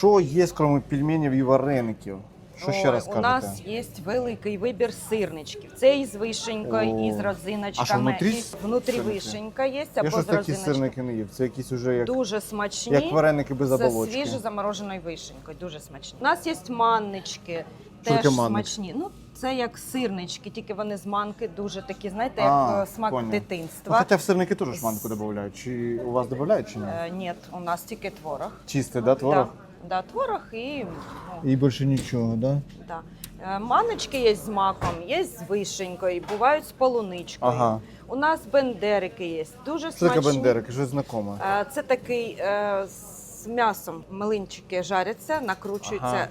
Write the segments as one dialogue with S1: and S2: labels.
S1: Що є, крім пельменів і вареників? Що ще раз
S2: У
S1: кажете?
S2: нас є великий вибір сирничків. Це і з вишенькою, і з розиночками.
S1: А що внутрі
S2: і внутрі
S1: сирники?
S2: вишенька є,
S1: Я
S2: або
S1: щось
S2: з
S1: такі
S2: розиночкою.
S1: сирники не їв. Це якісь уже як,
S2: Дуже смачні.
S1: як вареники без
S2: З
S1: оболочки.
S2: свіжо замороженою вишенькою. Дуже смачні. У нас є маннички.
S1: Що
S2: Теж
S1: таке маннич?
S2: смачні. Ну, це як сирнички, тільки вони з манки дуже такі, знаєте,
S1: А,
S2: як смак
S1: поняв. Ну,
S2: дитинства.
S1: хоча в сирники теж шманку додають. Чи у вас додають, чи ні?
S2: Ні, у нас тільки творог.
S1: Чистий, да, творог?
S2: Да, творог і
S1: І більше нічого, да?
S2: да. Маночки є з маком, є з вишенькою, бувають з полуничкою.
S1: Ага.
S2: У нас бендерики є, дуже
S1: Що
S2: смачні.
S1: таке бендерики? Щось знакоме.
S2: Це такий з м'ясом млинчики жаряться, накручуються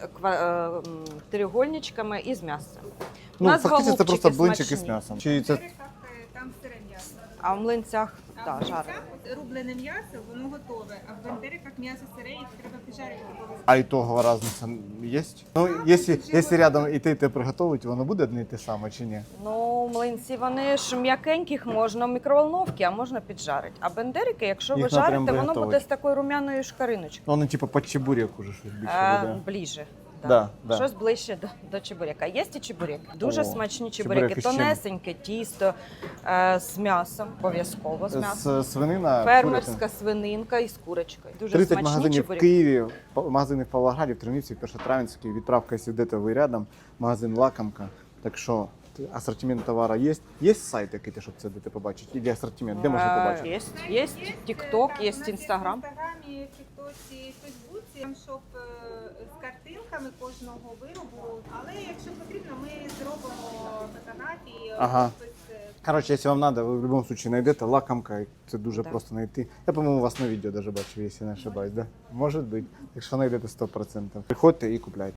S2: треугольничками і з м'ясом. У
S1: Ну,
S2: нас
S1: фактично це
S2: голубчики
S1: просто блинчики
S2: смачні.
S1: з м'ясом. Чи це
S3: Там сире м'ясо.
S2: А в млинцях
S3: А
S2: да,
S3: в
S2: жарять.
S3: млинцях рублене м'ясо, воно готове. А в бандериках м'ясо сире, і треба піджарити.
S1: а і того різниця є? Ну, якщо рядом і те приготують, воно буде одне і те саме чи ні?
S2: Ну, млинці вони ж м'якеньких можна в мікроволновці, а можна піджарити. А бендерики, якщо ви
S1: Їх треба
S2: жарите,
S1: прям
S2: воно буде
S1: виготовити.
S2: з такою рум'яною шкариночкою.
S1: Ну, вони типу під чебурек уже щось більше буде.
S2: Ближче.
S1: Да.
S2: Щось ближче до чебурека. Є і чебурек. Дуже
S1: О,
S2: смачні
S1: чебуреки
S2: чебуреки.
S1: з чим?
S2: Тонесеньке тісто з м'ясом, обов'язково з м'ясом.
S1: Свинина,
S2: Фермерська свининка із курочкою. Дуже
S1: 30
S2: смачні
S1: магазинів в
S2: чебуреки.
S1: Києві, магазини в Павлограді, в Тернівці, в Першотравенській, відправка, якщо йдете ви рядом, магазин «Лакомка». Так що асортимент товару є. Є сайт, який ти, щоб це де ти побачити? Іде асортимент, де можна побачити?
S2: Є TikTok, є Instagram.
S3: В інстаграмі, в тіктоці, в фейсбуці, там шоп з картинками кожного виробу. Але якщо потрібно, ми зробимо фотографії.
S1: Ага.
S3: Хтось,
S1: Коротше, якщо вам треба, ви в будь-якому випадку знайдете «Лакомка», це дуже просто знайти. Я, по-моєму, вас на відео навіть бачив, якщо не ошибаюсь, да? Може бути. Якщо знайдете 100%. Приходьте і купляйте.